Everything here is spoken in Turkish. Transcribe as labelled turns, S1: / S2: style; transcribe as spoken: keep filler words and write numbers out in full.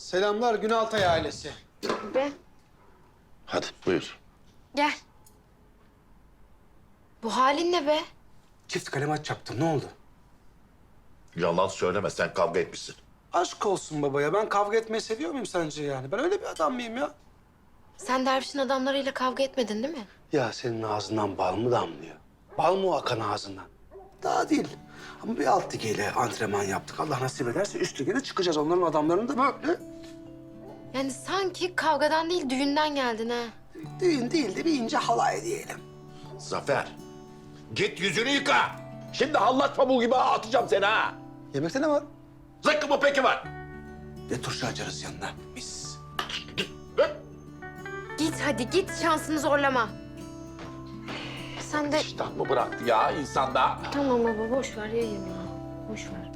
S1: Selamlar Günaltay ailesi.
S2: Be.
S3: Hadi buyur.
S2: Gel. Bu halin ne be?
S4: Çift kalem aç yaptım. Ne oldu?
S3: Yalan söyleme, sen kavga etmişsin.
S4: Aşk olsun babaya. Ben kavga etmeyi seviyor muyum sence yani? Ben öyle bir adam mıyım ya?
S2: Sen dervişin adamlarıyla kavga etmedin değil mi?
S4: Ya senin ağzından bal mı damlıyor? Bal mı akan ağzından? Daha değil. Ama bir alt ligeyle antrenman yaptık. Allah nasip ederse üst lige de çıkacağız. Onların adamlarını da böyle.
S2: Yani sanki kavgadan değil düğünden geldin ha.
S4: Düğün değil de bir ince halay diyelim.
S3: Zafer, git yüzünü yıka. Şimdi hallat pamuğu gibi atacağım seni ha.
S4: Yemekte ne var?
S3: Zıkkı mı peki var?
S4: Bir de turşu açarız yanına. Mis.
S2: Git hadi git şansını zorlama. Sen de...
S3: İştah mı bıraktı ya insanda?
S2: Tamam baba boş ver yayın ya. Boş ver.